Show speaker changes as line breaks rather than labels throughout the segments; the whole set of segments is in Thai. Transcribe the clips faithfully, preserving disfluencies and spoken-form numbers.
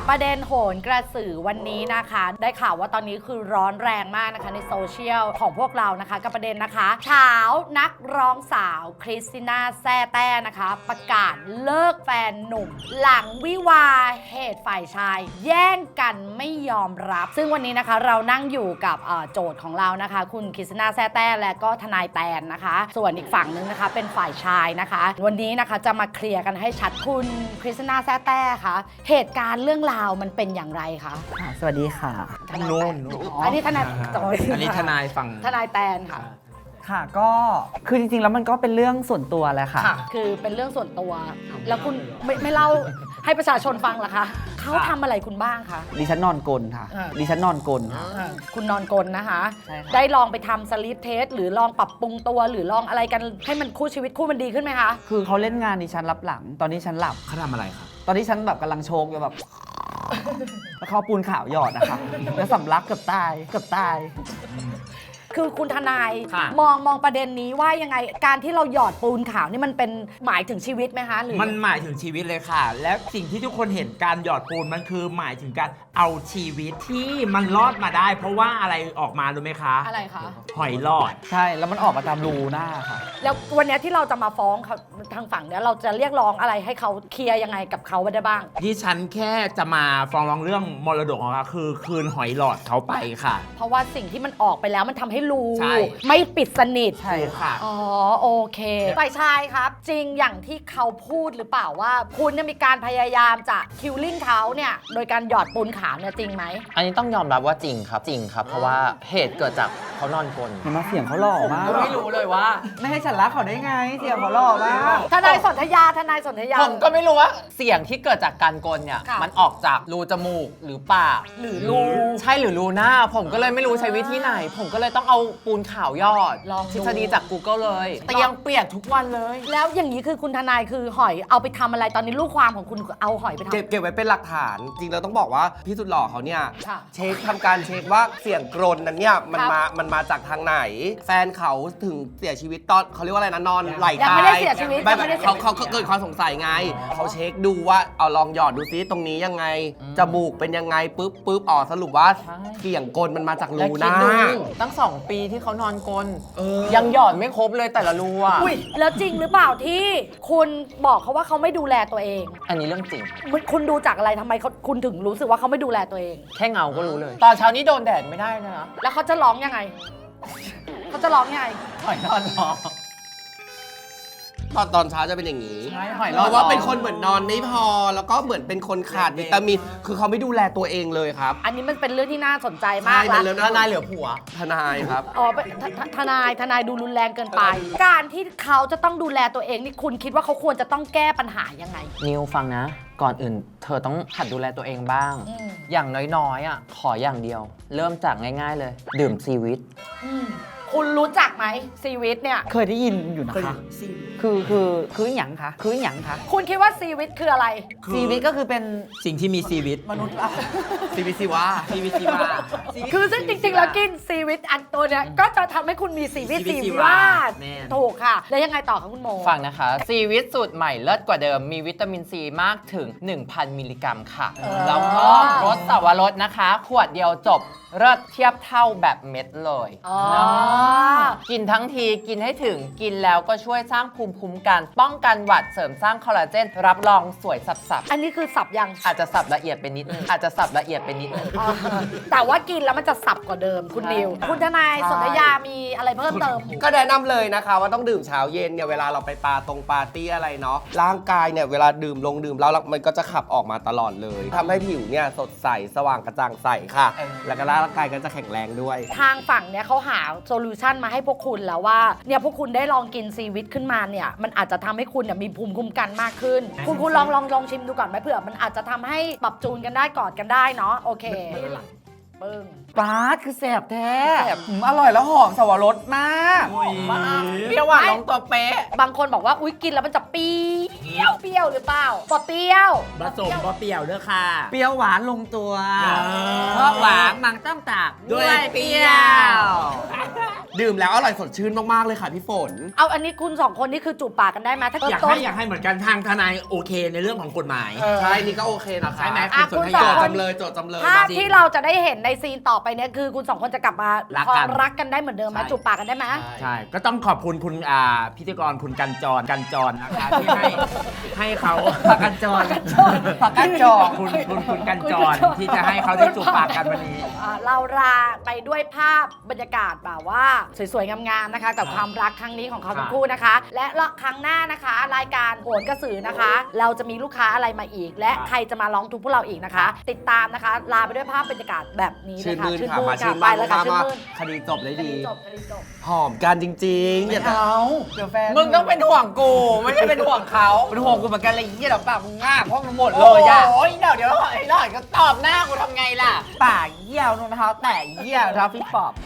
ประเด็นโหนกระสือวันนี้นะคะได้ข่าวว่าตอนนี้คือร้อนแรงมากนะคะในโซเชียลของพวกเรานะคะกับประเด็นนะคะเช้านักร้องสาวคริสติน่าแซ่แต้นะคะประกาศเลิกแฟนหนุ่มหลังวิวาห์เหตุฝ่ายชายแย่งกันไม่ยอมรับซึ่งวันนี้นะคะเรานั่งอยู่กับโจทย์ของเรานะคะคุณคริสติน่าแซ่แต้และก็ทนายแตนนะคะส่วนอีกฝั่งนึงนะคะเป็นฝ่ายชายนะคะวันนี้นะคะจะมาเคลียร์กันให้ชัดคุณคริสติน่าแซ่แต้คะเหตุการณ์เรื่องราวมันเป็นอย่างไรคะ
สวัสดีค่ะ
ทนายแตนอันนี้ทนาย
อันนี้ทนายฝั่ง
ทนายแตนค่ะ
ค่ะก็คือจริงๆแล้วมันก็เป็นเรื่องส่วนตัวแหละค่ะ
คือเป็นเรื่องส่วนตัวแล้วคุณไม่ไม่เล่าให้ประชาชนฟังเหรอคะเขาทำอะไรคุณบ้างคะ
ดิฉันนอนกลนค่ะดิฉันนอนกลนค่ะ
คุณนอนกลนะคะได้ลองไปทำสลิปเทสหรือลองปรับปรุงตัวหรือลองอะไรกันให้มันคู่ชีวิตคู่มันดีขึ้นไหมคะ
คือเขาเล่นงานดิฉันรับหลังตอนนี้ฉันหลับ
เขาทำอะไรครับ
ตอนนี้ฉันแบบกำลังโชกอยู่แบบแล้วเขาปูนขาวหยอดนะคะแล้วสำลักเกือบตายเกือบตาย
คือคุณทนายมองมองประเด็นนี้ว่ายังไงการที่เราหยอดปูนขาวนี่มันเป็นหมายถึงชีวิตไหมคะหรือ
มันหมายถึงชีวิตเลยค่ะและสิ่งที่ทุกคนเห็นการหยอดปูนมันคือหมายถึงการเอาชีวิตที่มันรอดมาได้ เพราะว่าอะไรออกมารู้ไหมคะ
อะไรคะ
หอยหลอด
ใช่แล้วมันออกมาตามรูหน้าค่ะ
แล้ววันนี้ที่เราจะมาฟ้องเขาทางฝั่งเนี้ยเราจะเรียกร้องอะไรให้เขาเคลียร์ยังไงกับเขาได้บ้าง
ที่ฉันแค่จะมาฟ้องร้องเรื่องมรดกของเขาคือคืนหอยหลอดเขาไปค่ะ
เพราะว่าสิ่งที่มันออกไปแล้วมันทำให้รูไม่ปิดสนิท
ใช่ค่ะ
อ๋อโอเคฝ่ายชายครับจริงอย่างที่เขาพูดหรือเปล่าว่าคุณเนี่ยมีการพยายามจะคิวลิ่งเขาเนี่ยโดยการหยอดปูนขาวเนี่ยจริงไหม
อันนี้ต้องยอมรับว่าจริงครับจริงครับเพราะว่าเหตุเกิดจากเขานอนกลน
เห็นไหมเสียงเขาหล่อมาก
ไม่รู้เลยว่า
ไม่ให้ฉันรักเขาได้ไงเสียงเขาหล่อมาก
ทนายสนธยาทนายสนธยา
ผมก็ไม่รู้ว่าเสียงที่เกิดจากการกลนเนี่ยมันออกจากรูจมูกหรือปาก
หรือรู
ใช่หรือรูหน้าผมก็เลยไม่รู้ใช้วิธีไหนผมก็เลยต้องเอาปูนขาวยอด
ลอง
ทฤษฎีจาก Google เลยเตียงเปียกทุกวันเลย
แล้วอย่างนี้คือคุณทนายคือหอยเอาไปทำอะไรตอนนี้ลูกความของคุณเอาหอยไปทำ
เก็บเก็บไว้เป็นหลักฐานจริงเราต้องบอกว่าพี่สุดหล่อเขาเนี่ยเช็คทำการเช็คว่าเสียงกรนนั้นเนี่ยมันมามันมาจากทางไหนแฟนเขาถึงเสียชีวิตตอนเขาเรียกว่าอะไรนะนอนไหลตาย
ยังไม่ได้เสียชีวิต
ไม่เขาเขาเกิดความสงสัยไงเขาเช็คดูว่าเอาลองหยอดดูซิตรงนี้ยังไงจมูกเป็นยังไงปุ๊บปุ๊บอ๋อสรุปว่าเสียงกรนมันมาจากรูหน้า
ตั้งสองปีที่เขานอนกลนยังหยอดไม่ครบเลยแต่ละรูอ่ะ
อุ้ยแล้วจริงหรือเปล่าที่คุณบอกเขาว่าเขาไม่ดูแลตัวเอง
อันนี้เรื่องจริง
คุณดูจากอะไรทำไมเขาคุณถึงรู้สึกว่าเขาไม่ดูแลตัวเอง
แค่เงาก็รู้เลยตอนเช้านี้โดนแดดไม่ได้นะ
แล้วเขาจะร้องยังไงเขาจะร้องยังไง
หอยนอนร้อง
ตอนตอนเช้าจะเป็นอย่างนี้
เพ
ราะว่าเป็นคนเหมือนนอนไม่พอแล้วก็เหมือนเป็นคนขาดวิตามินคือเขาไม่ดูแลตัวเองเลยครับ
อันนี้มันเป็นเรื่องที่น่าสนใจมาก
แล้ว
ทนายเหลือผัว
ทนายครับ
อ๋อทนายทนายดูรุนแรงเกินไปการที่เขาจะต้องดูแลตัวเองนี่คุณคิดว่าเขาควรจะต้องแก้ปัญหายังไง
นิวฟังนะก่อนอื่นเธอต้องหัดดูแลตัวเองบ้างอย่างน้อยๆอ่ะขออย่างเดียวเริ่มจากง่ายๆเลยดื่มซีวิต
คุณรู้จักไหมซีวิตเนี่ย
เคยได้ยินอยู่นะคะคือคือคือหยังคะคือหยังคะ
คุณคิดว่าซีวิตคืออะไร
ซีวิตก็คือเป็น
สิ่งที่มีชีวิต
มนุษย์ละ
ซีวิตซีวา
ซีวิตซีวา
คือซึ่งจริงๆแล้วกินซีวิตอันตัวเนี้ยก็จะทำให้คุณมีซีวิตซีวาถูกค่ะแล้วยังไงต่อคะคุณโม
ฟังนะคะซีวิตสูตรใหม่เลิศกว่าเดิมมีวิตามินซีมากถึง หนึ่งพัน มิลลิกรัมค่ะแล้วก็รสสวรสนะคะขวดเดียวจบเลิศเทียบเท่าแบบเม็ดเลยกินทั้งทีกินให้ถึงกินแล้วก็ช่วยสร้างภูมิคุ้มกันป้องกันหวัดเสริมสร้างคอลลาเจนรับรองสวยสับๆ
อันนี้คือสับยัง
อาจจะสับละเอียดไปนิดนึงอาจจะสับละเอียดไปนิดนึง
แต่ว่ากินแล้วมันจะสับกว่าเดิมคุณนิวคุณทนายสนธยามีอะไรเพิ่มเติม
ก็แนะนำเลยนะคะว่าต้องดื่มเช้าเย็นเนี่ยเวลาเราไปปาตรงปาร์ตี้อะไรเนาะร่างกายเนี่ยเวลาดื่มลงดื่มแล้วมันก็จะขับออกมาตลอดเลยทำให้ผิวเนี่ยสดใสสว่างกระจ่างใสค่ะแล้วก็ร่างกายก็จะแข็งแรงด้วย
ทางฝั่งเนี่ยเขาหาโซลูชันมาให้พวกคุณแล้วว่าเนี่ยพวกคุณได้ลองกินซีวิตขึ้นมาเนี่ยมันอาจจะทำให้คุณเนี่ยมีภูมิคุ้มกันมากขึ้นคุณคุณลองลองลองชิมดูก่อนไหมเผื่อมันอาจจะทำให้ปรับจูนกันได้กอดกันได้เนาะโอเคปึ้ง
ปาดคือแสบแท้อร่อยแล้วหอมสวรสมาก
เปรี้ยวหวานลงตัวเป๊ะ
บางคนบอกว่าอุ๊ยกินแล้วมันจะเปรี้ยวเปรี้ยวหรือเปล่าปอเปรี้ยว
ผสมปอเปรี้ยวเด้อค่ะ
เปรี้ยวหวานลงตัวเพราะหวานมันต้องตักด้วยเปรี้ยว
ดื่มแล้วอร่อยสดชื่นมากๆเลยค่ะพี่ฝน
เอาอันนี้คุณสองคนนี่คือจูบปากกันได้ไหมถ้า
อยาก
ต้
ให้
น
อยากให้เหมือนกันทางทนายโอเคในเรื่องของกฎหมาย
ใช่นี่ก็โอเคนะคะ
ใช่ไหม
อ่ะ
คุณสน
คุณ
ธ
ส
โจ
อง
ทย์
คน
จำเลยโจทย์จำเลย
ภาพ
จริง
ที่เราจะได้เห็นในซีนต่อไปเนี่ยคือคุณสองคนจะกลับมา
รัก
พอ
กัน
รักกันได้เหมือนเดิมไหม
ใช่
จูบปากกันได้ไหม
ใช่ ก็ต้องขอบคุณคุณอ่าพิธีกรคุณกันจรกันจรนะคะที่ให้ให้เขา
ผักกันจรผักกันจร
คุณคุณคุณกันจรที่จะให้เขาได้จูบปากกันวันนี้
อ่าเราลาไปด้วยภาพบรรยากาศแบบว่าสวยๆ งามๆ นะคะ กับความรักครั้งนี้ของเขาทั้งคู่นะคะ และครั้งหน้านะคะ รายการโหนกระสือนะคะ เราจะมีลูกค้าอะไรมาอีก และใครจะมาร้องทุกข์พวกเราอีกนะคะ ติดตามนะคะ ลาไปด้วยภาพบรรยากาศแบบนี้
ชื่
นะ
น
คะ
มื่นค่ะมา
ค่ะ
ชื่น
ไป
มื่น
เลยค่ะ
มา
ชื่น
มา
มื่น
คดีจบได้
คดี
ดี
จบคดีจบ
หอมกันจริงๆอย่า
เอาเดี๋ยวแฟน
มึงต้องเป็นห่วงกู ไม่ใช่เป็นห่วงเขา
เป็นห่วงกูเหมือนกันเลยเยี่ยเดี๋ยวปากมึงง่าเพราะมันหมดเล
โอ้
ยอะ
ยเดี๋ยวเดี๋ยวไอ้หล่อนก็ตอบหน้ากูทำไงล่ะ
ปากเยี่ยวรองเท้าแตะเยี่ยวเท้าฟิตปอบ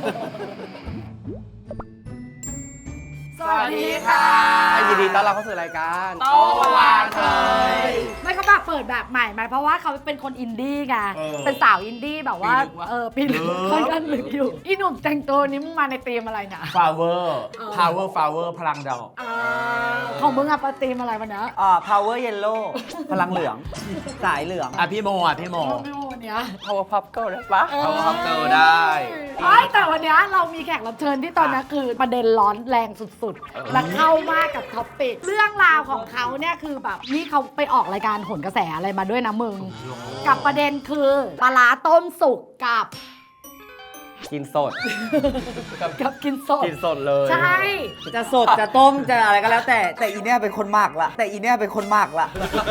สวัสดีค่ะ
ยินดีต้อนรับเข้าสู่รายการ
โต้วาเธอ
ไม่เขาแบบเปิดแบบใหม่ไหมเพราะว่าเขาเป็นคนอินดี้ไง
เออ
เป็นสาวอินดี้แบบว่า
ปีลึกวะ
เออปีลึกค่อนข้างลึกอยู่อีหนุ่มแต่งตัวนี้มึงมาในธีมอะไรเนี่ย
flower
เออ
power flower พลังดอก
อ่าของมึงอะปธีมอะไรวันเนี้ย
อ่า power yellow พลังเหลือง สายเหลือง
อ่ะพี่โมอ่ะพี่โม
ไม่โมเนี้ย
power pop girl ได้ปะ
เขาพับเจอได้
ไอ้แต่วันเนี้ยเรามีแขกรับเชิญที่ตอนนี้คือประเด็นร้อนแรงสุดๆ และเข้ามากกับท็อปปิกเรื่องราวของเขาเนี่ยคือแบบนี่เขาไปออกรายการโหนกระแสอะไรมาด้วยนะมึง กับประเด็นคือปลาร้าต้มสุกกับ
กินสด
กับกินสด
กินสดเลย
ใช่
จะสดจะต้มจะอะไรก็แล้วแต่แต่อีเนี่ยเป็นคนหมักละแต่อีเนี่ยเป็นคนหมักละ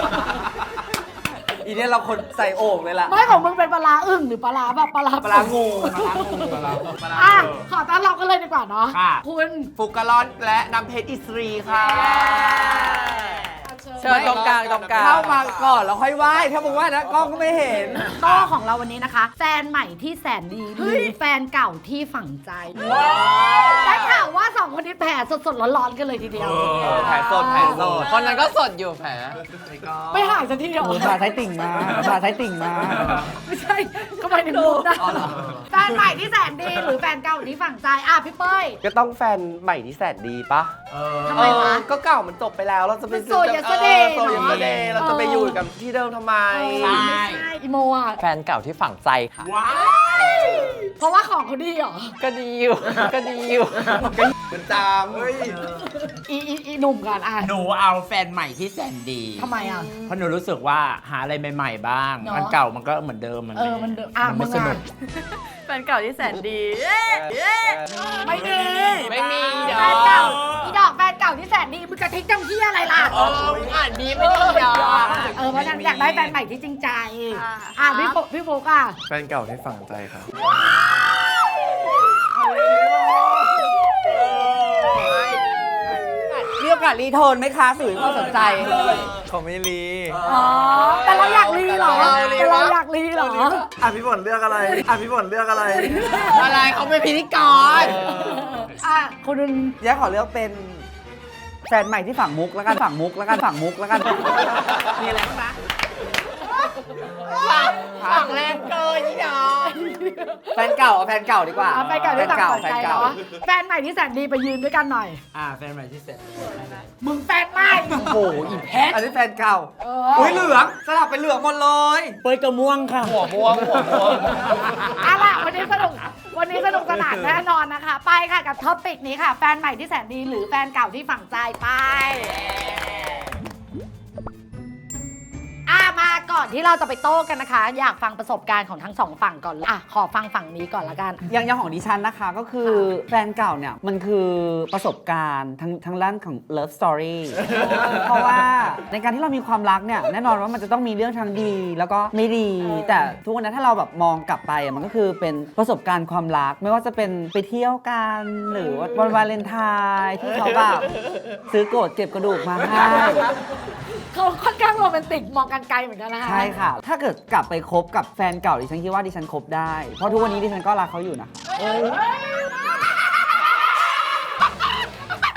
อีเนี่ยเราคนใส่โอ่งเลยล่ะ
ไม่ของมึงเป็นปลาร้าอึ่งหรือปลาร้าแบบปลาร้า
ปลางู
อ่ะขอต้อนรับกันเลยดีกว่าเนาะ
ค่ะ
คุณ
ฟุกกะลอนและน้ำเพชรอิสรีค่ะ
เชิญตรงกลางตรงกลาง
เข้ามาก่อนแล้วค่อยไหว้ถ้ามึงไหว้นะกล้องก็ไม่เห็น
โต้ของเราวันนี้นะคะ แฟนใหม่ที่แสนดีหรือแฟนเก่าที่ฝังใจได้ข่าวว่าสองคนนี้แผลสดๆร้อนๆกันเลยทีเดียว
แผลสดแผลสด
คนนั้นก็สดอยู่แผล
ไม่หายสักทีเดียว
โอ้ผ่าไทยติ่งมาผ่าไทยติ่งมา
ไม่ใช่ก็ไปถึงรูปนะแฟนใหม่ที่แสนดีหรือแฟนเก่าที่ฝังใจอ่ะพี่เป้ย
ก็ต้องแฟนใหม่ที่แสนดีปะ
ทำไมวะ
เออก็เก่ามันจบไปแล้วเราจะไป
มันโซยยัสเดย์
โซยยัสเดย์
เนอะ
เราจะไปอยู่กับที่เดิมทำไม
ใช่
ไม่ใช่อีโมอ่ะ
แฟนเก่าที่ฝังใจค่ะ
ว้าว
เพราะว่าของเขาดีเหรอ
ก็ดีอยู่ ก็ดีอยู่
มันจามเฮ้ย
อีอีอีหนุ่มก่อนอ่ะ
หนูเอาแฟนใหม่ที่แสนดี
ทำไมอ่ะ
เพราะหนูรู้สึกว่าหาอะไรใหม่ๆบ้าง
เนอะ
อันเก่ามันก็เหมือนเดิมมัน
เออมันเดิมอ่ะ
มันไม่
มึง
ส
อ่ะ
นุก
แฟนเก่าที่แสนดี
ไม่ดี
ไม่มี
แฟ
ดอน ก
เก่าอีดอกแฟนเก่าที่แสนดีมึงกระทิกจังที่อะไรล่ะ
เออมึงอ่านดีไม่ดีดอก
เออเพราะฉะนันอยากได้แฟนใหม่ที่จริงใจ
อ่ะ
อ่ะพี่โฟพี่โฟกอ่ะ
แฟนเก่าที่ฝังใจครับ
มีโอกาสรีโทนไหมคะสื่อความสนใจ
เขาไม่รี
อ๋อแต่เราอยากรีเหรอแต่เราอยากรีเหรอ
อ่ะพี่ฝนเลือกอะไรอ่ะพี่ฝนเลือกอะไร
อะไรเขาเป็นพิธีกร
อ่ะคุณดุน
แย่ขอเลือกเป็นแฟนใหม่ที่ฝั่งมุกแล้วกันฝั่งมุกแล้วกันฝั่งมุกแล้วกัน มีอะไรบ้างนะ
ฝังแรงเกินนี่ดอก
แฟนเก่าเอาแฟนเก่าดีกว่า
อ่ะแฟนเก่าที่ต่าง
แฟ
ฝั
น
งใจ
เก่า
เนาะแฟนใหม่ที่แสนดีไปยืนด้วยกันหน่อย
อ่าแฟนใหม่ที่แสนดี
มึงแฟนใหม่
โอ้โหอีแพทอันนี้แฟนเก่า
เอ
อุ้ยเหลืองสลับเป็นเหลืองหมดเลย
เปยกระม่วงค่ะ
หัวม่วงหัวม่วง
เอาล่ะวันนี้สนุกวันนี้สนุกสนานแน่นอนนะคะ ไปค่ะกับท็อปปิกนี้ค่ะ แฟนใหม่ที่แสนดีหรือแฟนเก่าที่ฝังใจไปอ่ะมาก่อนที่เราจะไปโต้กันนะคะ อยากฟังประสบการณ์ของทั้งสองฝั่งก่อนอ่ะขอฟังฝั่งนี้ก่อนละกัน
อย่างอย่างของดิฉันนะคะก็คือแฟนเก่าเนี่ยมันคือประสบการณ์ทั้งทั้งด้านของ love story เพราะว่าในการที่เรามีความรักเนี่ยแน่นอนว่ามันจะต้องมีเรื่องทั้งดีแล้วก็ไม่ดี แต่ทุกวันนี้ถ้าเราแบบมองกลับไปอะมันก็คือเป็นประสบการณ์ความรัก ไม่ว่าจะเป็นไปเที่ยวกันหรือว่าวันวาเลนไทน์ที่เขาแบบซื้อโกรธเก็บกระดูกมาให้
เขาค่อนข้างโรแมนติกมองกันไกลเหมือนกันนะคะ
ใช่ค่ะ ถ้าเกิดกลับไปคบกับแฟนเก่าดิฉันคิดว่าดิฉันคบได้ เพราะทุกวันนี้ดิฉันก็รักเขาอยู่นะ
ใน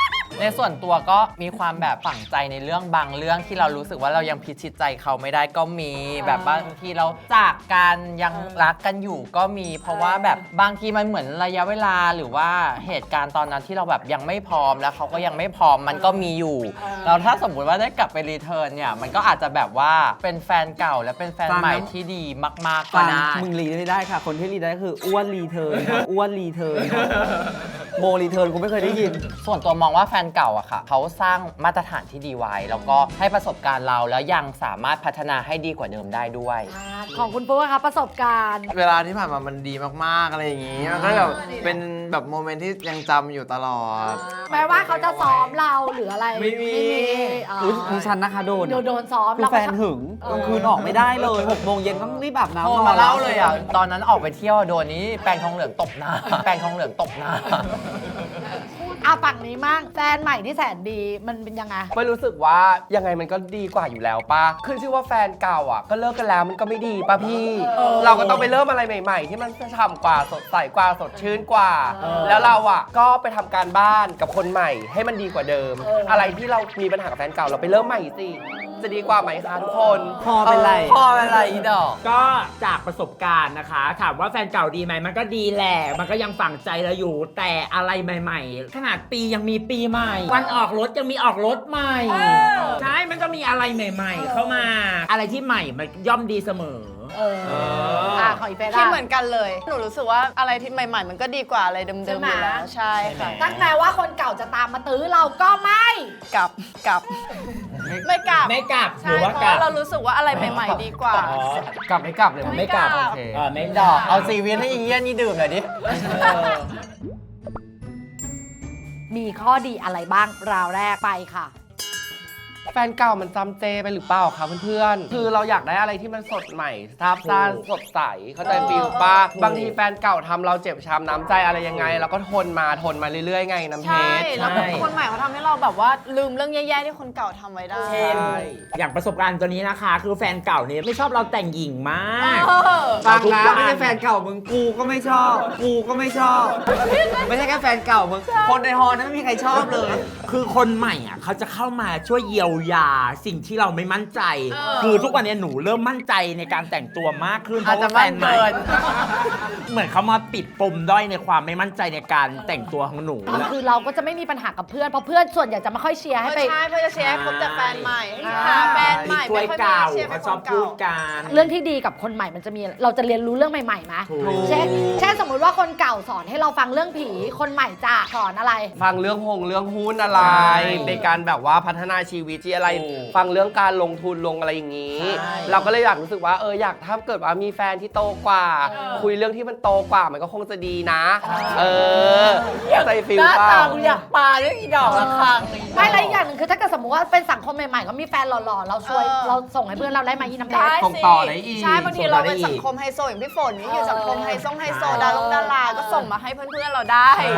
ในส่วนตัวก็มีความแบบฝังใจในเรื่องบางเรื่องที่เรารู้สึกว่าเรายังพิชิตใจเขาไม่ได้ก็มีแบบบางทีเราจากกันยังรักกันอยู่ก็มี เพราะว่าแบบบางทีมันเหมือนระยะเวลาหรือว่าเหตุการณ์ตอนนั้นที่เราแบบยังไม่พร้อมแล้วเขาก็ยังไม่พร้อมมันก็มีอยู่แล้วถ้าสมมุติว่าได้กลับไปรีเทิร์นเนี่ยมันก็อาจจะแบบว่าเป็นแฟนเก่าและเป็นแฟนใหม่ที่ดีมากๆก็
ฟัง
ได้
มึงรีไม่ได้ค่ะ คนที่รีได้คืออ้วนรีเทิร์นค่ะอ้วนรีเทิร์นค่ะโมรีเทิร์นกูไม่เคยได้ยิน
ส่วนตัวมองว่าแฟนเก่าอะค่ะเขาสร้างมาตรฐานที่ดีไว้ แล้วก็ให้ประสบการณ์เราแล้วยังสามารถพัฒนาให้ดีกว่าเดิมได้ด้วย
อ่าของคุณปุ๊กนะคะประสบการณ์
เวลาที่ผ่านมามันดีมากๆอะไรอย่างงี้ มันก็แบบเป็นแบบโมเมนต์ที่ยังจำอยู่ตลอด
แม้ว่าเขาจะซ้อมเราหรืออะไร
ไม่มี
อ๋อ
อุ๊ยดิฉันนะคะโดน
โดนโดนซ้อม
คือ
เรา
แฟ
ก็
นหึงกลางคืนออกไม่ได้เลยหกโมงเย็นต้องรีบอาบน้ำ
โทร
นอ
มาน
แล้
เล่าว เลยอ่ะ ตอนนั้นออกไปเที่ยวโดนนี้แปรงทองเหลืองตบหน้า แปรงทองเหลืองตบหน้า
อาฝั่งนี้มั่งแฟนใหม่ที่แสนดีมันเป็นยังไง
ไม่รู้สึกว่ายังไงมันก็ดีกว่าอยู่แล้วป่ะขึ้นชื่อว่าแฟนเก่าอ่ะก็เลิกกันแล้วมันก็ไม่ดีป่ะพี่
เออ
เราก็ต้องไปเริ่มอะไรใหม่ๆ ที่มันฉ่ำกว่าสดใสกว่าสดชื่นกว่า
เออ
แล้วเราอ่ะก็ไปทำการบ้านกับคนใหม่ให้มันดีกว่าเดิม
เอออ
อะไรที่เรามีปัญหากับแฟนเก่าเราไปเริ่มใหม่สิจะดีกว่าไหมคะทุกคน
พอเป็นไร
พอเป็นไรอีดอก
ก็จากประสบการณ์นะคะ ถามว่าแฟนเก่าดีไหมมันก็ดีแหละ มันก็ยังฝังใจเราอยู่ แต่อะไรใหม่ๆ ขนาดปียังมีปีใหม่ วันออกรถยังมีออกรถใหม่ ใช่ มันก็มีอะไรใหม่ ๆ เข้ามา อะไรที่ใหม่มันย่อมดีเสมอ
เอออ่าของอีเฟ
คิด
ร่า
เหมือนกันเลย หนูรู้สึกว่าอะไรที่ใหม่ ๆ มันก็ดีกว่าอะไรเดิมๆ
ใช่
อ
ไหม
ยู่แล้ว ใช่ค่ะ
ตั้งแต่ว่าคนเก่าจะตามมาตื้อเราก็ไม่
กลับกลับ ไม่กลับ
ไม่กลับห
ใช่
รือว่า
เพ
กลับ
ราะเรารู้สึกว่าอะไรใหม่ๆดีกว่า
อ๋อ
กลับไม่กลับเลย
ไม่กลับ
ไม่กลับ
โอเคเออไม่
ดอกเอาซีเวียนให้อีเยี่ยนี่ดื่มหน่อยดิ
เออ
มีข้อดีอะไรบ้างราวแรกไปค่ะ
แฟนเก่ามันจำเจไปหรือเปล่าคะเพื่อนๆคือเราอยากได้อะไรที่มันสดใหม่ซาบซ่านสดใสเข้าใจฟิลป่ะบางทีแฟนเก่าทำเราเจ็บช้ำน้ำใจอะไรยังไงเราก็ทนมาทนมาเรื่อยๆไงน้ำเพ
ใช่
ชร
แล้วคนใหม่เขาทำให้เราแบบว่าลืมเรื่องแย่ๆที่คนเก่าทำไว้ได้
เช่นอย่างประสบการณ์ตัวนี้นะคะ คือแฟนเก่าเนี่ยไม่ชอบเราแต่งหญิงมาก
เออ
ฟังนะไม่ใช่แฟนเก่ามึงกูก็ไม่ชอบ กูก็ไม่ชอบ ไม่ใช่แค่แฟนเก่ามึงคนในฮอนั้นไม่มีใครชอบเลย
คือคนใหม่อ่ะเขาจะเข้ามาช่วยเยียวยาสิ่งที่เราไม่มั่นใจ
เออ
คือทุกวันนี้หนูเริ่มมั่นใจในการแต่งตัวมากขึ้นเพ
อาจ
ราะ
จะ
ว่าแฟนใหม่
มั่นเกิน
เหมือนเขามาปิดปมด้อยในความไม่มั่นใจในการแต่งตัวของหนูแล้ว
คือเราก็จะไม่มีปัญหากับเพื่อนเพราะเพื่อนส่วนใหญ่จะไม่ค่อยเชียร์ให้ไป
ใช่เพื่อจะเชียร์ให้คบแต่แฟนใหม่ให้หาแฟนใหม่
ช่วย
ไม่ค่อย
เก่า
เชียร์
เขา
เป็น
ช
ค
อบ
น
พู
เก่า
ดกัน
เรื่องที่ดีกับคนใหม่มันจะมีเราจะเรียนรู้เรื่องใหม่ๆไหม
ถูก
เช่นเช่นสมมุติว่าคนเก่าสอนให้เราฟังเรื่องผีคนใหม่จะสอนอะไร
ฟังเรื่องหงเรื่องหุ้นอะไร
ใช่
ในการแบบว่าพัฒนาชีวิตที่อะไร
ถูก
ฟังเรื่องการลงทุนลงอะไรอย่างนี้
ใช่
เราก็เลยอยากรู้สึกว่าเอออยากถ้าเกิดว่ามีแฟนที่โตกว่า
เออ
คุยเรื่องที่มันโตกว่ามันก็คงจะดีนะ เออใจฟิล
หน้า
เปล่า
ตากูอยากปาด้วยอีดอกละครั้ง
ไม่และอีกอย่างหนึ่งคือถ้าเกิดสมมติว่าเป็นสังคมใหม่ๆก็มีแฟนหล่อๆเราช่วย
เออ
เราส่งให้เพื่อนเราได้ไหมอีน้ำเพ
ได้
ชร
ส่ง
สิ
ต่อได้อีก
ใช่บางที
ส่งต่
เรา
อได้
เป็น
อีก
สังคมไฮโซอย่างพี่ฝนนี่อยู่
เออ
สังคมไฮโซไฮโซดาลงดาราก็ส่งมาให้เพื่อนๆเราได้
ใช่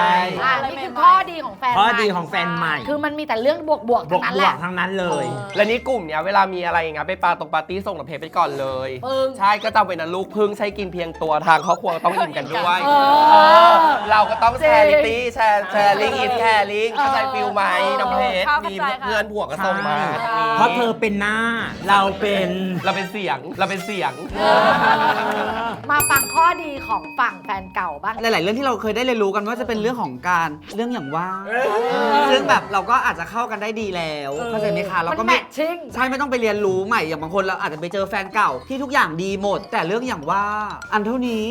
อ่านี่คือข้อดีของแฟน
ข้อ
ใหม่
ดีของแฟนใหม่
คือมันมีแต่เรื่องบวกๆ
บว
ทั้
ก
งนั้น
บ
แห
ว
ละ
กทั้งนั้นเลย
และนี่กลุ่มเนี้ยเวลามีอะไรอย่างเงี้ยไปปาตรงปาร์ตี้ส่งหนังเพจไปก่อนเลย
ปึ้ง
ใช่ก็จำไว้นะลูกพึ่งใช้กินเพียงตัวทางครอบครัวต้องกินกันด้วย
เออ
เออเราก็ต้องแชร์
จริ
ลิ
ง
ตี้แชร์แชร์ลิงอินแชร์ลิงเข้าใจฟิลไหมน้ำเพชร
เข้า
มี
ใจค่ะ
เพื่อนผัวก็ส่งมา
เพราะเธอเป็นหน้า เราเป็น
เราเป็นเสียงเราเป็นเสียง
มาฟังข้อดีของฝั่งแฟนเก่าบ้าง
หลาย ๆ เรื่องที่เราเคยได้เรียนรู้กันว่าจะเป็นเรื่องของการเรื่องอย่างว่า ซึ่งแบบเราก็อาจจะเข้ากันได้ดีแล้วเข้าใจไหมคะเราก็
มัน
ไม่
แมทชิ่ง
ใช่ไม่ต้องไปเรียนรู้ใหม่อย่างบางคนเราอาจจะไปเจอแฟนเก่าที่ทุกอย่างดีหมด แต่เรื่องอย่างว่าอันเท่านี้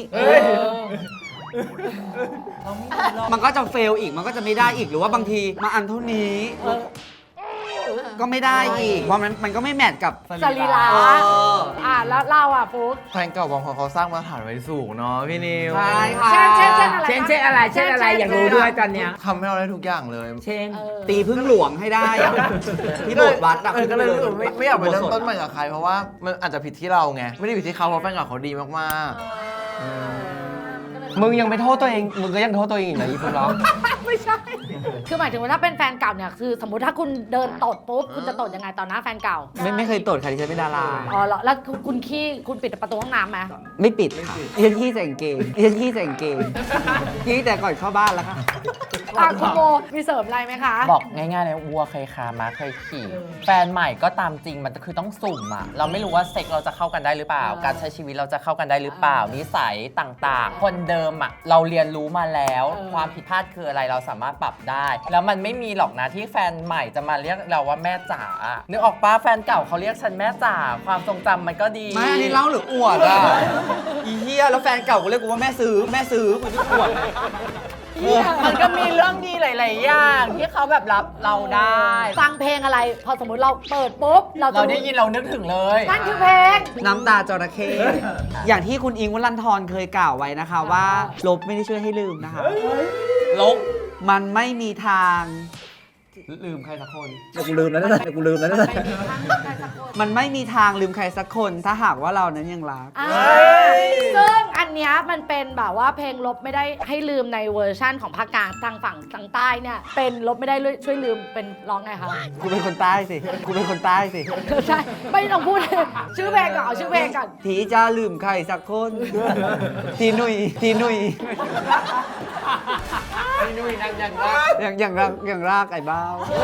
มันก็จะเฟลอีกมันก็จะไม่ได้อีกหรือว่าบางทีมาอันเท่านี้ ก็ไม่ได้อีกเพราะมันมันก็ไม่แมทกับ
สรีระ
เออ
อ่าแล้วเราอ่ะฟุ๊ก
แฟนเก่าบางคนเขาสร้างมาตรฐานไว้สูงเนาะพี่นิว
ใช่ค่ะ
เช่นเช่นเช่นอะไร
เช่นเช่นอะไร เช่นอะไร อยากรู้ด้วยตอนเนี้ย
ทำให้เราได้ทุกอย่างเลย
เช่น
เออ
ตีพึ่งหลวงให้ได้อะที่โบสถ์วัดอะ
เออก็เลยรู้สึกไม่ไม่อยากไปเริ่ม
อุโบสถ
ต้นใหม่กับใครเพราะว่ามันอาจจะผิดที่เราไง ไม่ได้ผิดที่เขาเพราะแฟนเก่าเขาดีมาก
มึงยังไปโทษตัวเองมึงก็ยังโทษตัวเองอีกนะอีฟุ๊กเนาะ
ไม่ใช่ คือหมายถึงว่าถ้าเป็นแฟนเก่าเนี่ยคือสมมติถ้าคุณเดินตดปุ๊บคุณจะตดยังไงต่อหน้าแฟนเก่า
ไม่ไม่เคยตรวจค่ะที่ฉันเป็นดารา
อ๋อเหรอแล้วคุณคุณขี้คุณปิดประตูห้องน้ำไหม
ไม่ปิดค่ะเรียนขี้ใส่กางเกงเรียนขี้ใส่กางเกงขี้แต่ก่อนเข้าบ้านแล้วค่ะ
อ่ะคุณโมมีเสริมอะไรไหมคะ
บอกง่ายๆเลยวัวเคยคาม้าเคยขี่ แฟนใหม่ก็ตามจริงมันคือต้องสุ่มอะเราไม่รู้ว่าเซ็กเราจะเข้ากันได้หรือเปล่า
เออ
การใช้ชีวิตเราจะเข้ากันได้หรือเปล่า นิสัยต่างๆ คนเดิมอะเราเรียนรู้มาแล้ว
เออ
ความผิดพลาดคืออะไรเราสามารถปรับได้ แล้วมันไม่มีหรอกนะที่แฟนใหม่จะมาเรียกเราว่าแม่จ๋านึกออกปะแฟนเก่าเขาเรียกฉันแม่จ๋าความทรงจำมันก็ดี
ไม่อันนี้เล่าหรืออวดอ่ะ อีเหี้ยแล้วแฟนเก่ากูเรียกกูว่าแม่ซื้อแม่ซื้อกูจะอวด
มันก็มีเรื่องดีหลาย ๆ อย่างที่เขาแบบรับเราได้
ฟังเพลงอะไร พอสมมติเราเปิดปุ๊บ เราจะ
เราได้ยินเรานึกถึงเลย
นั่นคือเพลง
น้ำตาจระเข้อย่างที่คุณอิงค์วรันทรเคยกล่าวไว้นะคะว่าลบไม่ได้ช่วยให้ลืมนะคะ
ลบ
มันไม่มีทางลืมใครสักคนเดี๋ยวกูลืมแล้วนะเดี๋ยวกูลืมแล้วนะมันไม่มีทางลืมใครสักคนถ้าหากว่าเรานั้นยังรัก
อ่าซึ่งอันเนี้ยมันเป็นแบบว่าเพลงลบไม่ได้ให้ลืมในเวอร์ชั่นของภาคกลางทางฝั่งทางใต้เนี่ย เป็นลบไม่ได้ช่วยลืมเป็นร้องไงคะ
กูเป็นคนใต้สิกูเป็นคนใต้สิ
ใช่ ไม่ต้องพูด ชื่อเพลงก่อนเอาชื่อเพลงก่อน
ทีจะลืมใครสักคนทีหนุ่ยทีหนุ่ย
นี่นุ้ยนั่งยังรัก
อย่างอย่างรากอย่างรากไอ้บ้าว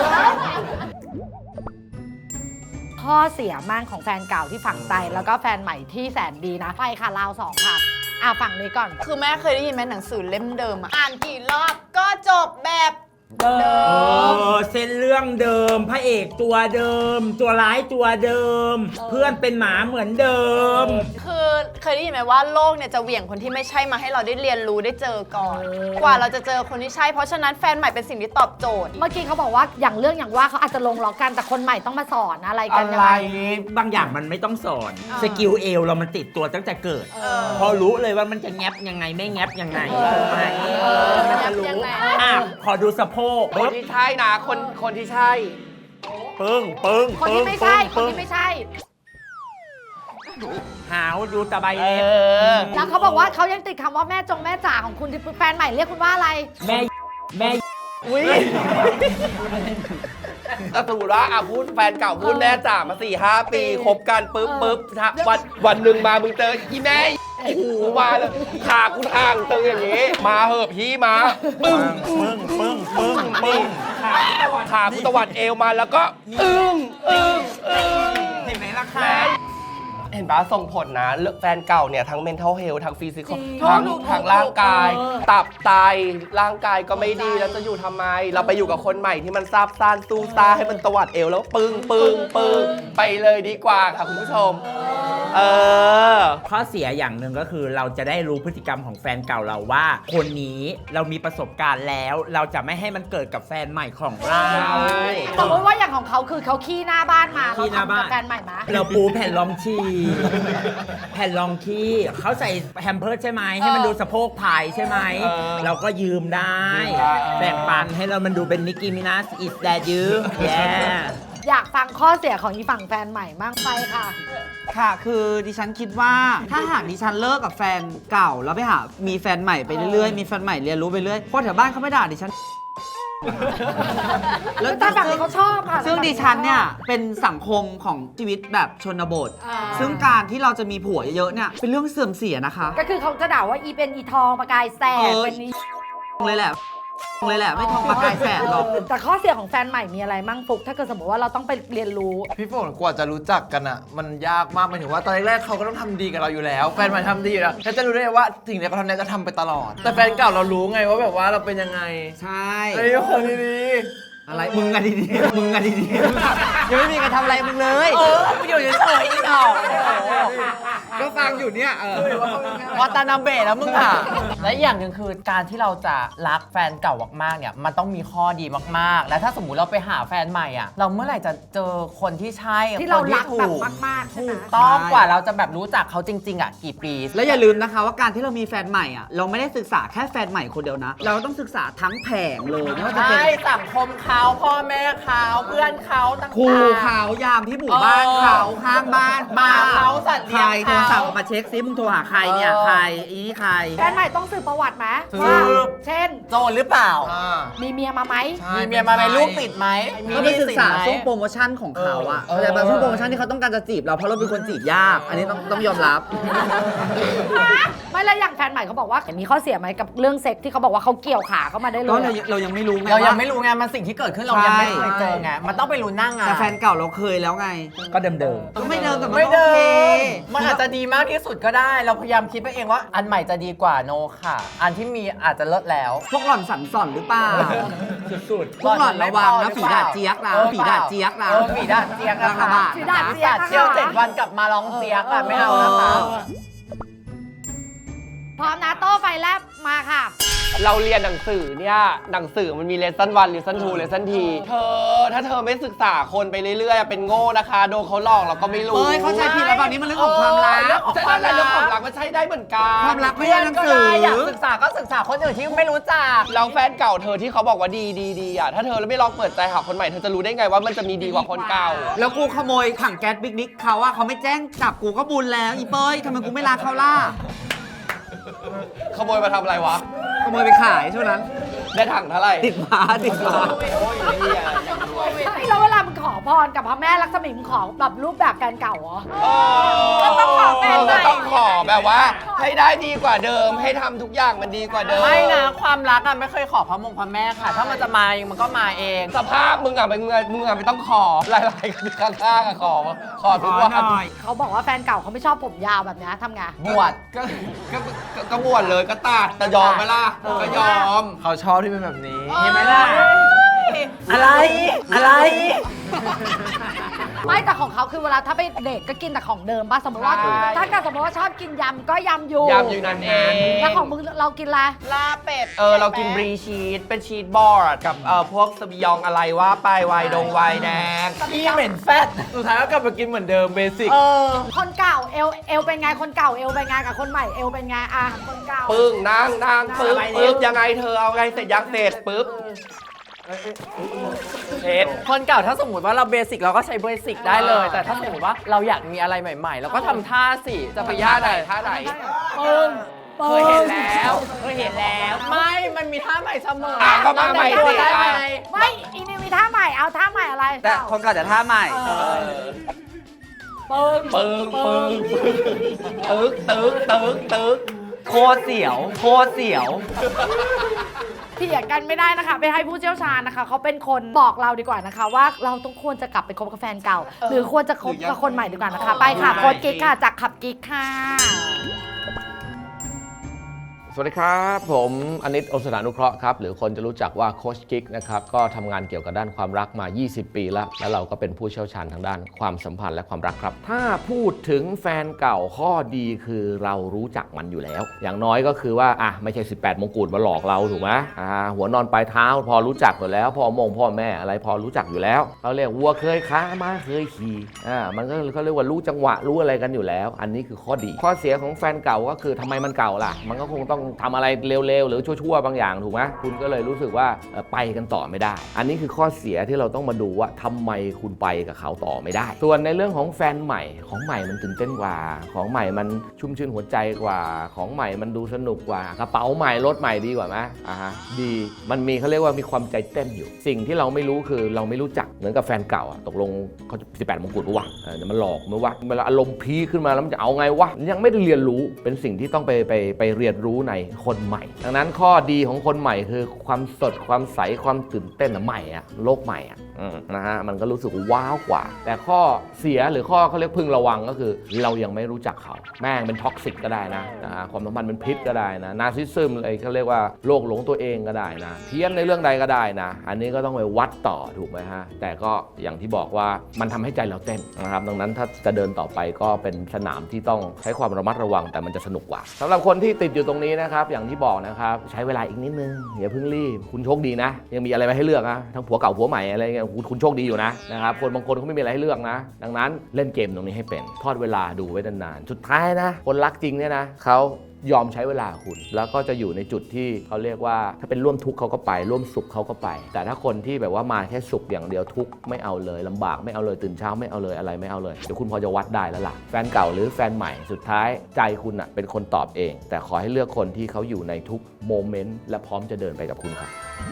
ข้อเสียมั่งของแฟนเก่าที่ฝังใจแล้วก็แฟนใหม่ที่แสนดีนะไปค่ะราวสองค่ะอ่ะฝั่งนี้ก่อน
คือแม่เคยได้ยินไหมหนังสือเล่มเดิมอะอ่านกี่รอบก็จบแบบ
เดิ
เดิ
เอ
ม
อเส้นเรื่องเดิม พระเอกตัวเดิม ตัวร้ายตัวเดิม เพื่อนเป็นหมาเหมือนเดิม
คือเคยได้ยินไหมว่าโลกเนี่ยจะเหวี่ยงคนที่ไม่ใช่มาให้เราได้เรียนรู้ได้เจอก่อน กว่าเราจะเจอคนที่ใช่ เพราะฉะนั้นแฟนใหม่เป็นสิ่งที่ตอบโจทย์
เมื่อกี้เขาบอกว่าอย่างเรื่องอย่างว่าเขาอาจจะลงล็อกกันแต่คนใหม่ต้องมาสอนอะไรกั
อะ
น
ไร
ยังไง
บางอย่างมันไม่ต้องสอน
อ่า
สกิลเอวเรามันติดตัวตั้งแต่เกิด
เออ
พอรู้เลยว่ามันจะแงบยังไงไม่แงบยังไงถูกไหม
เออ
มันจะรู้
ยังไง
อ่ะขอดูสะโพก
คนที่ใช่นะคนคนที่ใช่
ปึ้งปึ้ง
คนที่ไม่ใช่ คน
ปึ้ง
ที่ไม่ใช่
หาวดูตะไบ
เอ
เล็บ
อ
แล้วเขาบอกว่าเขายังติดคำว่าแม่จงแม่จ๋าของคุณที่แฟนใหม่เรียกคุณว่าอะไร
แม่แม่
อุ้ยก็สมมติว่าอ่ะพูดแฟนเก่าพูดแม่จ๋ามาสี่ห้าปีคบกันปุ๊บปุ๊บถ้าวันวันหนึ่งมามึงเจออีแม่โอ้โหมาเลยขากูทางตึงอย่างงี้ มาเหอะพี่มาปึ้ง
ปึ้งปึ้งปึ้งปึ้ง
ขากูตวัดเอวมาแล้วก็อึ้งอึ้งอึ้ง
เห็นไหมล่ะคะ
เห็นปะส่งผลนะเรื่องแฟนเก่าเนี่ยทั้ง mental health ทั้ง physical
จริง
ทั้ง
ถูกๆ
ทั้งร่างกาย
เออ
ตับไตร่างกายก็ไม่ดีแล้วจะอยู่ทำไม เราไปอยู่กับคนใหม่ที่มันซาบซ่านสู้ซาให้มันตวัดเอวแล้วปึ้งปึ้งปึ้งไปเลยดีกว่าค่ะคุณผู้ชม เออ
ข้อเสียอย่างหนึ่งก็คือเราจะได้รู้พฤติกรรมของแฟนเก่าเราว่า คนนี้เรามีประสบการณ์แล้ว เราจะไม่ให้มันเกิดกับแฟนใหม่ของเรา
สมมติว่าอย่างของเขาคือเขาขี้หน้าบ้านมา
ขี้หน้าบ้าน
เขทำกับแฟนใหม่มา
เราปูแผ่นรองชีแผ่นรองขี้เขาใส่แฮมเพิร์สใช่ไหมให้มันดูสะโพกพายใช่ไหม
เออ
เราก็ยืมได้แบ่งปันให้เรามันดูเป็นนิกกี้มินัสอิสแดดยืมแย่
อยากฟังข้อเสียของอีฝั่งแฟนใหม่บ้างไปค่ะ
ค่ะ คือดิฉันคิดว่าถ้าหากดิฉันเลิกกับแฟนเก่า แล้วไปหา มีแฟนใหม่ไปเรื่อยๆ มีแฟนใหม่เรียนรู้ไปเรื่อยคนแถวบ้านเขาไม่ด่าดิฉัน
แล้วแต่แบบนี้เขาชอบค่ะ
ซึ่งดิฉันเนี่ย เป็นสังคมของชีวิตแบบชนบท
อ่า
ซึ่งการที่เราจะมีผัวเยอะๆเนี่ย เป็นเรื่องเสื่อมเสียนะคะ
ก็คือเขาจะด่าว่าอีเป็นอีทองประกายแสบ
เออ
เป็นอี
เลยแหละเลยแหละ ไม่ทองประกายแสบหรอก
แต่ข้อเสียของแฟนใหม่มีอะไรมั่งฟุกถ้าเกิดสมมติว่าเราต้องไปเรียนรู้
พี่ฝนกว่าจะรู้จักกันอ่ะ มันยากมากหมายถึงว่าตอนแรกๆเขาก็ต้องทำดีกับเราอยู่แล้ว แฟนใหม่ทำดีอยู่แล้วแล้วจะรู้ได้ไงว่าสิ่งที่เขาทำเนี่ยจะทำไปตลอด แต่แฟนเก่าเรารู้ไงว่าแบบว่าเราเป็นยังไง
ใช่
ไอ้คนดี
อะไร มึงอะดีๆมึงอะดีๆยังไม่มีใครทำอะไรมึงเลย
เออกูอยู่เฉยๆอีกหน่อย
ก็ฟังอยู่เนี่ยเออ
วัตานาเบะแล้วมึงอ่ะ และอีกอย่างหนึ่งคือการที่เราจะรักแฟนเก่ามากๆเนี่ยมันต้องมีข้อดีมากๆ และถ้าสมมุติเราไปหาแฟนใหม่อ่ะ เราเมื่อไหร่จะเจอคนที่ใช่
ที่เรา
คน
รักแบบ
ถูก
มากๆใช่ไหม
ถูกต้องกว่าเราจะแบบรู้จักเขาจริง ๆอ่ะกี่ปี
แล้วอย่าลืมนะคะว่าการที่เรามีแฟนใหม่อ่ะเราไม่ได้ศึกษาแค่แฟนใหม่คนเดียวนะ เราต้องศึกษาทั้งแผงเลยไม่ว่าจะเป็น
ใช่สังคมค่ะเขาพ่อแม่เขาเพื่อนเขาต่างๆ
ครูเขายามที่หมู่บ้านเขาข้างบ้าน
หมาเขาสัตว์เลี้
ใค
ย
รง โทร
เขา
ศัพท์ออกมาเช็คซิมึงโทรหาใครเนี่ย
เออ
ใครอีนี่ใคร
แฟนใหม่ต้องสืบประวัติไหม
สืบ
ว่าเช่น
โจรหรือเปล่า
มีเมียมาไหม
มีเมียมาไหมลูกติดไหมมี
ก็
ห
ไป
นี้
ศึก
สิน
ษา
ไหม
ช่วงโปรโมชั่นของเขาอะ
เออ
แต่บางช่วงโปรโมชั่นที่เขาต้องการจะจีบเราเพราะเราเป็นคนจีบยาก อันนี้ต้องต้องยอมรับ
ไม่แล้วอย่างแฟนใหม่เขาบอกว่ามีข้อเสียไหมกับเรื่องเซ็กที่เขาบอกว่าเขาเกี่ยวขาเข้ามาได้เล
ก็
ย
เรา
อะ
เรายังไม่รู้ไง
เรายัง
ว่า
ไม่รู้ไงมันสิ่งที่เกิดขึ้นเรายังไม่เคยเจอไงมันต้องไปรู้หนั่งอ่ะ
แต่แฟนเก่าเราเคยแล้วไง
ก็เดิม
ก็ไม่เดิมแต่มัน
ไม่
ก็
เดิ
โอเค
มมันอาจจะดีมากที่สุดก็ได้ เราพยายามคิดไปเองว่า อันใหม่จะดีกว่าโนค่ะ อันที่มีอาจจะเลิศแล้ว
พวกหล่อนสันส่อนหรือเปล่า
ๆสุด
พวกหล่อนระวังนะฝีดาดเจี๊ยกนะ
ออ
ฝีดาดเจี๊ยกนะ
เออฝีดาดเจี๊ยก
กำลังระบาด
ฝีดาดเจี๊ยก
เที่ยวเจ็ดวันกลับมาร้องเจี๊ยกอะไม่เอานะคะ
พร้อมนะโต้ไฟแลบมาค่ะ
เราเรียนหนังสือเนี่ยหนังสือมันมีเลสซันวันเลสซันทูเลสซันทีเธอถ้าเธอไม่ศึกษาคนไปเรื่อยๆ เป็นโง่นะคะโดนเขาหลอกเราก็ไม่รู้
เอ้ยเข้าใจผิดแล้วแบบนี้มันเรื่องของความรัก
เรื่องของความรักเรื่องความรักมันใช้ได้เหมือนกัน
ความรักไม่ใช่หนังสือ
อยากศึกษาก็ศึกษาคนอื่นที่ไม่รู้จัก
เราแฟนเก่าเธอที่เขาบอกว่าดีดีดีอ่ะถ้าเธอไม่ลองเปิดใจหาคนใหม่เธอจะรู้ได้ไงว่ามันจะมีดีกว่าคนเก่า
แล้วกูขโมยถังแก๊สบิ๊กนิกเขาอะเขาไม่แจ้งจับกูก็บุญแล้วอีเป้ยทำไมกูไม่รักเขาล่ะ
ขโมยมาทำอะไรวะ
ขโมยไปขายช่วงนั้น
ได้ถังเท่าไหร่
ติดมาติดมา
โอ้ยไอ้เหี้ยยังรวย
แล้วเวลามึงขอพรกับพระแม่ลักษมีมึงขอแบบรูปแบบแฟนเก่าเหรอ
ก็ต้องขอแฟนใหม่ก็ต้องขอแบบว่า ให้ได้ดีกว่าเดิมให้ทำทุกอย่างมันดีกว่าเดิม
ไม่นะความรักอะไม่เคยขอพระมงพระแม่ค่ะ ถ้ามันจะมาเองมันก็มาเอง
สภาพมึงอ่ะมึงอ่ะมึงอ่ะไม่ต้องขอหลายๆกันข้างๆอ่ะขอขอทุกวัน
เขาบอกว่าแฟนเก่าเขาไม่ชอบผมยาวแบบนี้ทำไง
บวช
ก็ก็ก็ก็บวชเลยก็ตัดแต่ยอมไหมล่ะก็ยอม
เขาชอบที่เป็นแบบนี้
เห็นไหมล่ะ อะไร อะไร
ไม่แต่ของเขาคือเวลาถ้าไปเดทก็กินแต่ของเดิมป่ะสมมติว่า
ใช่
ถ้าเกิดสมมติว่าชอบกินยำก็ยำอยู่
ยำอยู่นั่นเอง
แล้วของมึงเรากินอะไร
ลาเป็ด
เออเรากินบรีชีสเป็นชีสบอร์ดกับเอ่อพวกสบิยองอะไรว่าไปไวน์ดงไวน์แดง
อีเหม็นแฟต
สุดท้ายก็กลับมากินเหมือนเดิมเบสิก
เออคนเก่าเอลเอลเป็นไงคนเก่าเอลเป็นไงกับคนใหม่เอลเป็นไงอ่ะคนเก่า
ปึ้งนั่งนั่งปึ๊บปึ๊บยังไงเธอเอาไงเสร็จยังเสร็จปึ๊บเช็ด
คนเก่าถ้าสมมติว่าเราเบสิกเราก็ใช้เบสิกได้เลย แต่ถ้าสมมติว่าเราอยากมีอะไรใหม่ๆ เราก็ทำท่าสิจะไปยาก
ไหน
อะไร
ท่าไหน
ปึ้งปึ้
เคยเห็น
ง
แล้วเคยเห็นแล้ว ไม่ มันมีท่าใหม่เสมอ
อ่ะก็มาใหม่สิ
ได้ไหม
ไม่อีนี่มีท่าใหม่เอาท่าใหม่อะไร
แต่คนเก่าจะท่าใหม่
ปึ้ง
ปึ้งปึ้งตึกตึกตึกตึก
โคตรเสียว โคตรเสียว
เถียงกันไม่ได้นะคะ ไปให้ผู้เชี่ยวชาญนะคะเขาเป็นคนบอกเราดีกว่านะคะ ว่าเราต้องควรจะกลับไปคบกับแฟนเก่า หรือควรจะคบกับคนใหม่ดีกว่านะคะ ไปค่ะโค้ชกิ๊กค่ะจากขับกิ๊กค่ะ
สวัสดีครับ ผมอนิต อสถานุเคราะห์ครับ หรือคนจะรู้จักว่าโค้ชกิ๊กนะครับ ก็ทำงานเกี่ยวกับด้านความรักมา ยี่สิบ ปีแล้ว แล้วเราก็เป็นผู้เชี่ยวชาญทางด้านความสัมพันธ์และความรักครับ ถ้าพูดถึงแฟนเก่าข้อดีคือเรารู้จักมันอยู่แล้ว อย่างน้อยก็คือว่าอ่ะไม่ใช่ สิบแปด มงกุฎมาหลอกเราถูกไหมอ่าหัวนอนปลายเท้าพอรู้จักอยู่แล้วพ่อมงพ่อแม่อะไรพอรู้จักอยู่แล้วเขาเรียกวัวเคยค้าม้าเคยขี่อ่ามันก็เขาเรียกว่ารู้จังหวะรู้อะไรกันอยู่แล้ว อันนี้คือข้อดี ข้อเสียของแฟนเก่าก็คือทำไมมันเก่าล่ะมันก็คงต้องทำอะไรเร็วๆหรือชั่วๆบางอย่างถูกไหมคุณก็เลยรู้สึกว่าเอ่อไปกันต่อไม่ได้ อันนี้คือข้อเสียที่เราต้องมาดูว่าทำไมคุณไปกับเขาต่อไม่ได้ ส่วนในเรื่องของแฟนใหม่ของใหม่มันตื่นเต้นกว่าของใหม่มันชุ่มชื่นหัวใจกว่าของใหม่มันดูสนุกกว่ากระเป๋าใหม่รถใหม่ดีกว่าไหมอ่าฮะดีมันมีเขาเรียกว่ามีความใจเต้นอยู่ สิ่งที่เราไม่รู้คือเราไม่รู้จักเหมือนกับแฟนเก่าอะตกลงเขาสิบแปดมงกุฎปะวะเออเดี๋ยวมันหลอกมั้ยวะเวลาอารมณ์พีคขึ้นมาแล้วมันจะเอาไงวะยังไม่ได้เรียนรู้เป็นสิ่งที่ต้องไปไปไปเรียนรู้ในคนใหม่ดังนั้นข้อดีของคนใหม่คือความสดความใสความตื่นเต้นอะใหม่อะโลกใหม่อะอืมนะฮะมันก็รู้สึกว้าวกว่า แต่ข้อเสียหรือข้อเขาเรียกพึงระวังก็คือเรายังไม่รู้จักเขาแม่งเป็นท็อกซิกก็ได้นะนะฮะความสัมพันธ์เป็นพิษก็ได้นะนาร์ซิสซึมอะไรเขาเรียกว่าโรคหลงตัวเองก็ได้นะเพี้ยนในเรื่องใดก็ได้นะอันนี้ก็ต้องไปวัดต่อถูกไหมฮะแต่ก็อย่างที่บอกว่ามันทำให้ใจเราเต้นนะครับดังนั้นถ้าจะเดินต่อไปก็เป็นสนามที่ต้องใช้ความระมัดระวังแต่มันจะสนุกกว่าสำหรับคนที่ติดอยู่ตรงนี้นะครับอย่างที่บอกนะครับใช้เวลาอีกนิดนึงอย่าเพิ่งรีบคุณโชคดีนะยังมีอะไรมาให้เลือกนะทั้งผัวเก่าผัวใหม่อะไรเงี้ยคุณโชคดีอยู่นะนะครับคนบางคนเขาไม่มีอะไรให้เลือกนะดังนั้นเล่นเกมตรงนี้ให้เป็นทอดเวลาดูไว้นานๆสุดท้ายนะคนรักจริงเนี่ยนะเขายอมใช้เวลาคุณ แล้วก็จะอยู่ในจุดที่เขาเรียกว่าถ้าเป็นร่วมทุกข์เขาก็ไปร่วมสุขเขาก็ไป แต่ถ้าคนที่แบบว่ามาแค่สุขอย่างเดียวทุกข์ไม่เอาเลยลำบากไม่เอาเลยตื่นเช้าไม่เอาเลยอะไรไม่เอาเลยเดี๋ยวคุณพอจะวัดได้แล้วล่ะแฟนเก่าหรือแฟนใหม่สุดท้ายใจคุณอ่ะเป็นคนตอบเอง แต่ขอให้เลือกคนที่เขาอยู่ในทุกโมเมนต์และพร้อมจะเดินไปกับคุณครับ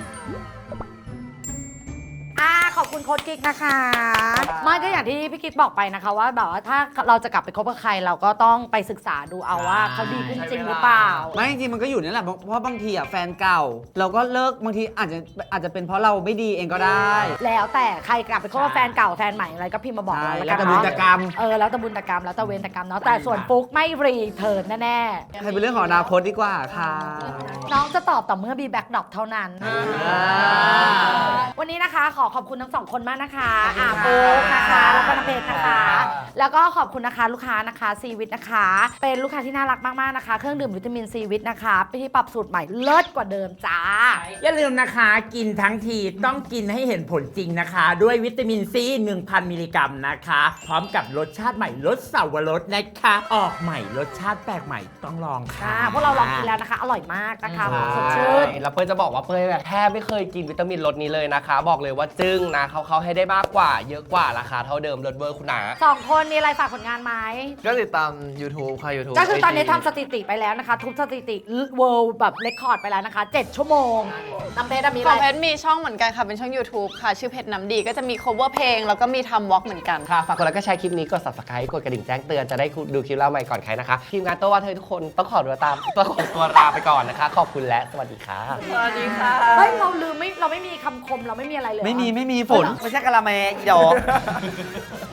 อ่าขอบคุณโค้ชกิ๊กนะคะไม่ก็อย่างที่พี่กิ๊กบอกไปนะคะว่าแบบว่าถ้าเราจะกลับไปคบกับใครเราก็ต้องไปศึกษาดูเอาว่าเขาดีขึ้นจริงหรือเปล่า
ไม่จริงๆมันก็อยู่นี่แหละเพราะเพราะบางทีอ่ะแฟนเก่า เราก็เลิกบางทีอาจจะอาจจะเป็นเพราะเราไม่ดีเองก็ได้
แล้วแต่ใครกลับไปคบกับแฟนเก่าแฟนใหม่อะไรก็พิมพ์มาบอกเรา
ใช่
แล้วกัน
แล้วแต่บุญ
เนาะ
แต่กรรม
เออแล้วแต่บุญแต่กรรมแล้วแต่เวรแต่กรรมเนาะแต่ส่วนฟุกไม่รีเทิร์นแน่ๆ
ให้เป็นเรื่องของอนาคตดีกว่าค่ะ
น้องจะตอบต่อเมื่อมีแบ็คดรอปเท่านั้น วันนี้นะคะขอขอบคุณทั้งสองคนมากนะคะอาโป๊กนะคะ แล้วก็น้ำเพชรนะคะ แล้วก็ขอบคุณนะคะลูกค้านะคะซีวิตนะคะ เป็นลูกค้าที่น่ารักมากๆนะคะ เครื่องดื่มวิตามินซีวิตนะคะที่ปรับสูตรใหม่เลิศกว่าเดิมจ้า
อย่าลืมนะคะกินทั้งทีต้องกินให้เห็นผลจริงนะคะ ด้วยวิตามินซี หนึ่งพัน มิลลิกรัมนะคะ พร้อมกับรสชาติใหม่รสเสาวรสนะคะ ออกใหม่รสชาติแปลกใหม่ต้องลองค่ะ
ค่ะพวกเราลองกินแล้วนะคะ อร่อยมากนะคะสดชื่น
แล้วเป้ยจะบอกว่าเป้ยแบบแทบไม่เคยกินวิตามินรสนี้เลยนะคะ บอกเลยว่าจึ้งนะเขาเขาให้ได้มากกว่า เยอะกว่าราคาเท่าเดิมรสเวอร์คุณนา
สองคนมีอะไรฝากผลงานไหม
ก็ติดตาม YouTube ค่ะ YouTube
ก็คือตอนนี้
ไจี
ทำสถิติไปแล้วนะคะ ทุบสถิติ World แบบเรคคอร์ดไปแล้วนะคะ เจ็ด ชั่วโมงน้ำเพชรมี
ข
อะ
องเพ
ไร
ชรมีช่องเหมือนกันค่ะ เป็นช่อง YouTube ค่ะ ชื่อเพชรน้ำดีก็จะมี cover เพลง แล้วก็มีทำวอล์กเหมือนกัน
ค่ะฝากกดไลค์ก็แชร์คลิปนี้กด subscribe กดกระดิ่งแจ้งเตือนจะได้ดูคลิปเราใหม่ก่อนใครนะคะ ทีมงานโตว่าเธอทุกคนต้องขอตัวตามต้องขอตัวลาไปก่อนนะคะ ขอบคุณและสวัสดีค่ะ
สวัสดีค่ะ
เฮ้ย เราลืมไม่เราไม่มีคำคมเราไม่มีอะไรเลยเหรอ
ไม่มีไม่มีฝนไม่ใช่กะละแมอีดอก